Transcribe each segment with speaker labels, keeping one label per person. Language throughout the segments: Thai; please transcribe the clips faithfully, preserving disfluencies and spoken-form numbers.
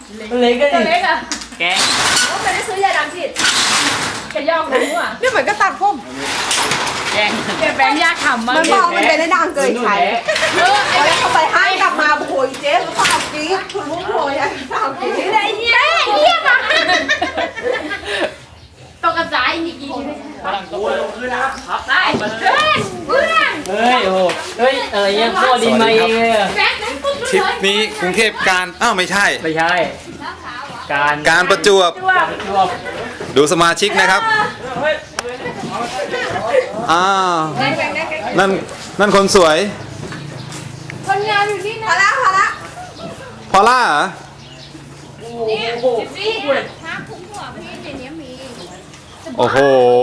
Speaker 1: เล็กก็
Speaker 2: ตัว
Speaker 1: ดิ
Speaker 2: เล็กอ่ะ
Speaker 1: แกง
Speaker 2: ว่าไม่ได้ซื้อยาดำฉีดแกย่องรู้อ่ะ
Speaker 3: นี่เหมือนก็ตัดผม
Speaker 1: แกง
Speaker 2: แกแบงค์ยากขำมาก
Speaker 3: มันบอกมันเป็นได้ดังเกินใช้
Speaker 2: เออไอ้
Speaker 3: แล้วเขาไปให้กลับมาโอยเจ๊สาวกรี๊ดคุณลูกโอยสาวกรี๊ด
Speaker 2: ไอ้เหี้ยไอ้เหี้ยมาตกกระจายอีกทีไม่ใช่
Speaker 1: กำลังโตลงขึ้นนะครับ
Speaker 2: ได้เพื่อนเพื่อน
Speaker 1: เฮ้ยโอ้เฮ้ยอะไรเนี่ยพ่อดินมาเองเลย
Speaker 2: แบงค์นั้นปุ๊บ
Speaker 4: ทริปนี้กรุงเทพการอ้าวไม่ใช่
Speaker 1: ไม่ใช่การ
Speaker 4: การประจวบ
Speaker 1: ประจวบ
Speaker 4: ดูสมาชิกนะครับอ้าวนั่นนั่นคนสวย
Speaker 2: คนงานอยู่ที่
Speaker 3: พ
Speaker 2: นั่
Speaker 3: อน ละพอละ
Speaker 4: พอล่าเหรอ
Speaker 2: นี่สิถ้าคุ้มหัวพี่ในนี้มี
Speaker 4: โอ้โห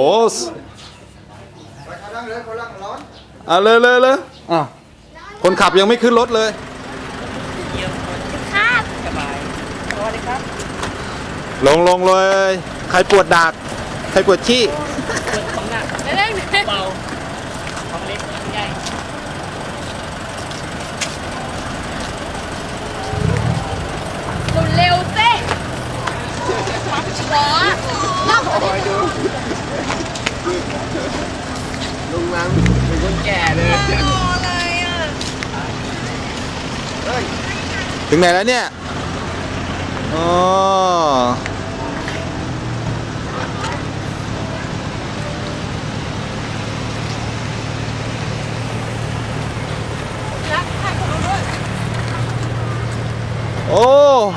Speaker 4: เอาเลยเลยเลยอ้าวคนขับยังไม่ขึ้นรถเลย
Speaker 1: สบาย
Speaker 4: ลงลงเลย ใครปวดดาก ใครปวดขี้
Speaker 1: ของหนัก
Speaker 2: เล่น
Speaker 1: เบาของเล็กของใหญ่
Speaker 2: เร็วสิหัวล่อง
Speaker 5: ลุงนั้นเป็นคนแก่เลย
Speaker 4: ถึงไหนแล้วเนี่ย อ๋อ โอ้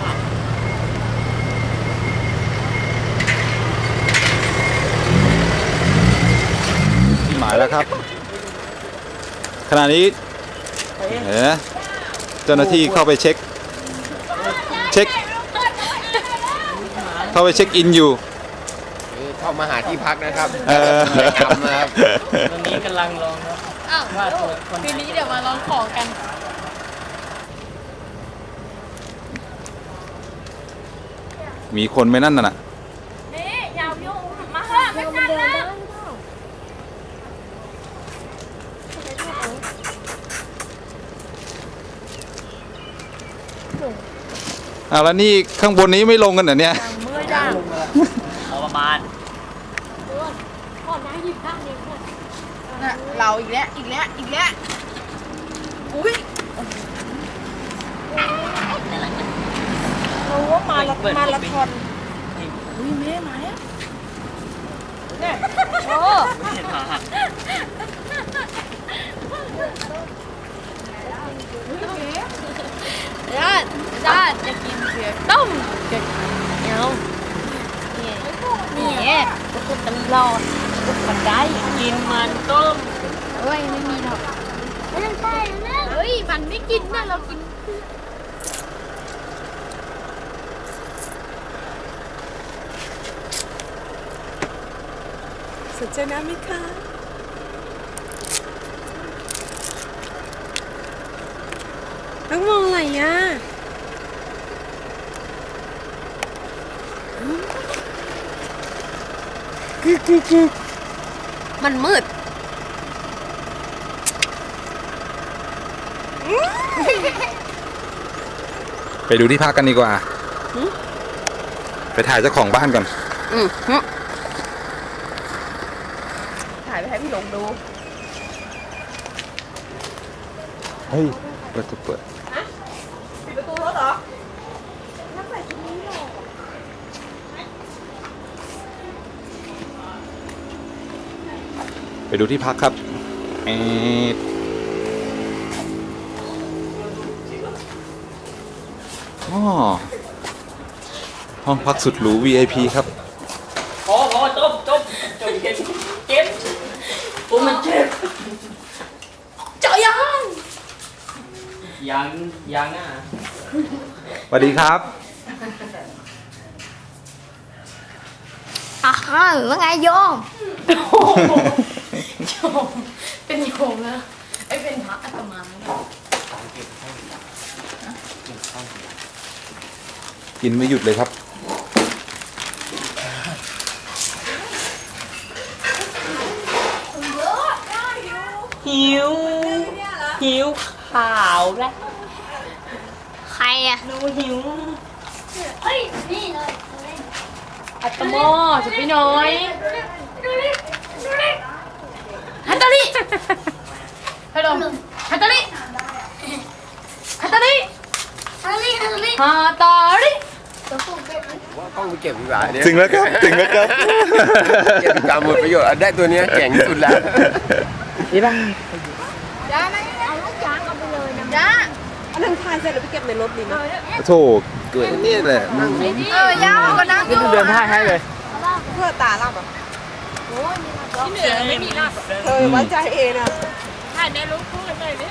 Speaker 4: หมายแล้วครับ ขณะนี้เห็นไหมเจ้าหน้าที่เข้าไปเช็ค เช็ค เข้าไปเช็คอินอยู่
Speaker 5: เข้ามาหาที่พักนะครับ
Speaker 4: เออ
Speaker 5: จำนะครับ
Speaker 1: ตอนนี้กำลังลองนะ
Speaker 2: อ้าว
Speaker 1: ว่าตัวคน
Speaker 2: คืนนี้เดี๋ยวมาลองของกัน
Speaker 4: มีคนไหมนั่นน่ะ
Speaker 2: นี่ยาวยุ่งมาเถอะไม่ทันแล้ว
Speaker 4: อ้าวแล้วนี่ข้างบนนี้ไม่ลงกันเหรอเนี่ย
Speaker 2: เมื่อยจัง
Speaker 1: พอประมาณ
Speaker 2: ก่อนนะหยิบด้านนี้ก่อน
Speaker 3: น่ะเราอีกแล้วอีกแล้วอีกแล้วอุ้ยรู้ว่ามาละมาละทอนอุ้ยแม่มาแล้วเนี่ย
Speaker 2: โอ้
Speaker 1: เห็นหา
Speaker 2: ญาติญาติจะกินเผือกต้มเผือกเหนียวนี่นี่ก็พูดตลอดพูดมันได้
Speaker 1: กินมันต้ม
Speaker 2: เฮ้ยไม่มีหรอกไม่ต้องใช่นะเฮ้ยมันไม่กินนะเรากิน
Speaker 3: สนใจน้ำไหมคะต้องมองอะไรอ่ะกึกกึกกึกมันมืด
Speaker 4: ไปดูที่พักกันดีกว่า ไปถ่ายเจ้าของบ้านก่อน
Speaker 3: อืมถ่ายไปให้พี่หลงดู
Speaker 4: เฮ้ย เปิดเปิด
Speaker 3: ปิดประตูรถเหรอ
Speaker 4: ไปดูที่พักครับเอดอ๋อห้องพักสุดหรู วี ไอ พี ครับ
Speaker 1: พอพอจบจบจบเก็บเก็บโอ้มันเจ็บ
Speaker 2: เจาะยัง
Speaker 1: ยังยังอ่ะ
Speaker 4: สวัสดีครับ
Speaker 2: อ่ะว่าไงโยมโยมเป็นโยมแล้วไอ้เป็นพระอาตมาแล้ว
Speaker 4: กินไม่หยุดเลยครับ
Speaker 1: หิวหิวข่าวแล้ว
Speaker 2: ใครอ่ะ
Speaker 1: หนูหิว
Speaker 2: เฮ้ยนี่เลย
Speaker 3: อัตโมสุดพี่น้อยฮัตตาลิฮัลโหลฮัตตาลิฮัตตาลิ
Speaker 2: ฮัลลี่ฮัลลี่
Speaker 3: ฮัตตาลิ
Speaker 5: ว่ากล้องไปเก็บดีกว่าเนี่ย
Speaker 4: ถึงแล้วครับถึงแล้วครับ
Speaker 5: เก็บตามหมดประโยชน์อ่ะได้ตัวเนี้ยเจ๋งสุดแล้ว
Speaker 3: ดีป่ะ
Speaker 2: จ้าไหมเอาลูกช้างเอาไปเลยนะจ้า
Speaker 3: อันนั้นทานเสร็จแล้วไปเก็บในรถดีไหม
Speaker 4: โถเกิดนี่แหละมึง
Speaker 2: เออยาวก็นั่งอยู่
Speaker 3: เดินท่าให้เลย
Speaker 6: เพื่อตาลับอ่ะ
Speaker 3: ที่เหนือไม่มีลาบ
Speaker 6: เธอไว้ใจเองอ่ะ
Speaker 3: ถ่ายในลูกพูดเลยนี่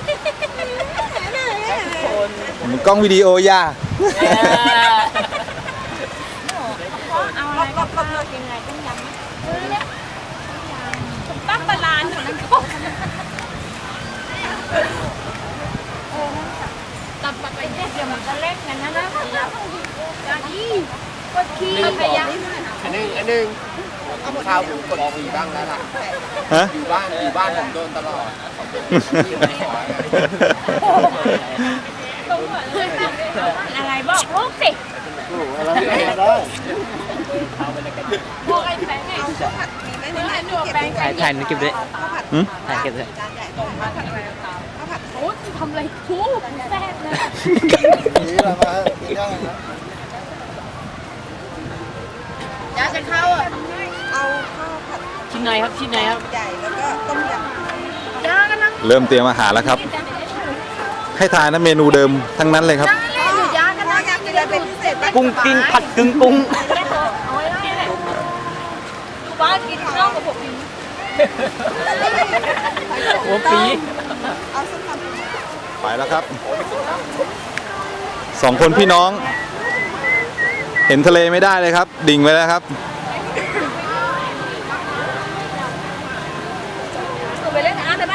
Speaker 4: มันกล้องวิดีโอย่า
Speaker 2: เอาอะไรก็เลือกยังไงต้องยำไหมตั้งบาลานซ์ของนั้นก็ตับปัดไปเนี่ยเดี๋ยวมันก็เล็กกันนะนะจานนี้กดขี้พยายาม
Speaker 5: อันนึงอันนึงข้าวผมกดมีบ้างแล้วล่ะ
Speaker 4: ฮะ
Speaker 5: อยู่บ้านอยู่บ้านผมโดนตลอด
Speaker 2: อะไรบอกลูกสิบอกไอ้แฟนไง
Speaker 6: มีไหมในนั้นเก็บได้
Speaker 1: ถ่ายถ่ายมันเก็บด้วย
Speaker 6: ข้าวผัด
Speaker 4: หืม
Speaker 1: ถ่ายเก็บด้วย
Speaker 6: จานใหญ่ข้าวผัดอะไรข้าวผัด
Speaker 2: โอ้ทำอะไรคู่แฟนเลย
Speaker 5: นี่ละมากินได้นะ
Speaker 3: จ้าจะเข้าอ่ะ
Speaker 6: เอาข้าวผัด
Speaker 3: ชิ้นไหนครับชิ้นไหนครับ
Speaker 6: ใหญ่แล้วก็ต้มย
Speaker 2: จ้ากันนั่ง
Speaker 4: เริ่มเตรียมอาหารแล้วครับ ให้ทานนะเมนูเดิมทั้งนั้นเลยครับ
Speaker 6: ำอยู่ย่างกันนะอยากกินอะไรเป็นพิเศษบ้าง
Speaker 1: กุ้งกิ้งผัดกึ่งกุ้ง
Speaker 2: เอาไว้แล้วเนี่ยบ้านกินข้าวกับผมอยู่
Speaker 1: หัวปี
Speaker 6: เอาส้มตำ
Speaker 4: ไปแล้วครับ สองคนพี่น้อง เห็นทะเลไม่ได้เลยครับ ดิ่งไปแล้วครับ
Speaker 2: ไปเล่นน้ำได้ไหม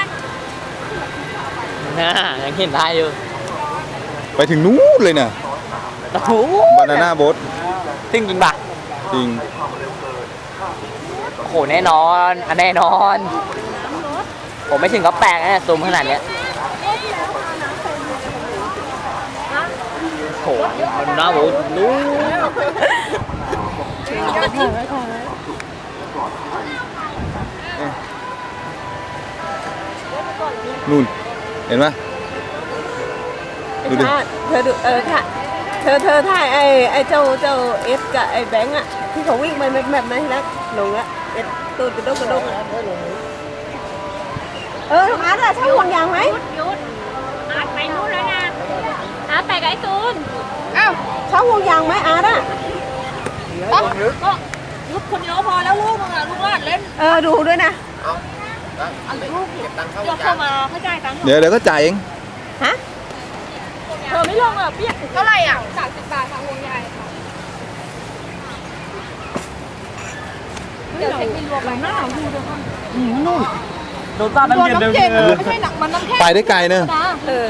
Speaker 1: น่ายังเห็นได้อยู่
Speaker 4: ไปถึงนู้นเลยเนี่ย
Speaker 1: โอ้โห
Speaker 4: บานาน่าโบ๊ท
Speaker 1: ซึ่งจริงปะ
Speaker 4: จริง
Speaker 1: โอ้โหแน่นอนอันแน่นอน ผมไม่ถึงก็แปลกนะซูมขนาดเนี้ยโอ้โหมันน่าโหนู้น
Speaker 4: นู่น เห็นไหมดูดิ
Speaker 6: เธอดูเออค่ะเธอเธอถ่ายไอ้ไอ้เจ้าเจ้าเอสกับไอ้แบงค์อ่ะที่เขาวิ่งไปแบบแบบนั้นแล้วลงอ่ะเอสตูดกระดกกระดกอ่ะเอออาร์ตอะใช่ห่วงยางไหม
Speaker 2: หยุดอาร์ตไปนู่นแล้วนะอาร์ตไปกับไอ้ตูน
Speaker 6: อ้าวใช่ห่วงยางไหมอาร์ตอ่ะ
Speaker 2: ก็ยุดคนเดียวพอแล้วลูกมึงอ่ะลูกวาดเล่น
Speaker 6: เออดูด้วยนะ
Speaker 5: เอาแล้วเก็บตังค์เข้าย
Speaker 2: ก
Speaker 5: จา
Speaker 2: เข้าน มาเข้าใจตังค์
Speaker 4: เดี๋ยวเดี๋ยวก็จ่ายเอง
Speaker 6: ฮะ
Speaker 2: เธอไม่ลงอ่ะเปียกเท่าไหร่อ่ะสามสิบบาททางวงใหญ่ค่ะเดี๋ยวเช็คบินรวมไปหน้าดูเดี๋ยวก่อน
Speaker 1: โดนตาเป็นเดือนเดิม
Speaker 2: ไม่ใช่หนักมันน้ำแข็ง
Speaker 4: ไปได้ไกลเนอะ
Speaker 2: นะ
Speaker 6: เออ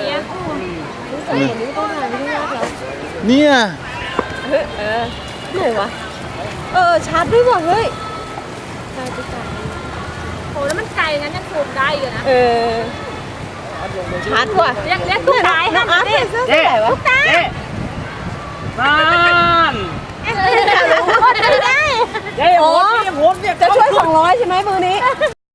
Speaker 4: เนี่ย
Speaker 6: เฮ้ยเออไหนวะเออชาร์จด้วยว่ะเฮ้ย
Speaker 2: โอ้แล้วมันไกลงั้นยังซูมได้อยู่นะ
Speaker 6: เออชาร์จว่ะ
Speaker 2: เรียกเรียกตุ๊กตา
Speaker 6: น้องอาร์ตใส่เสื้อสีอะไรวะ
Speaker 2: ตุ๊กตา
Speaker 1: บ้าน
Speaker 2: โคตรได้
Speaker 3: เฮ้ยโหดเนี่ยโหดเนี่ย
Speaker 6: จะช่วยสองร้อยใช่ไหมมือนี้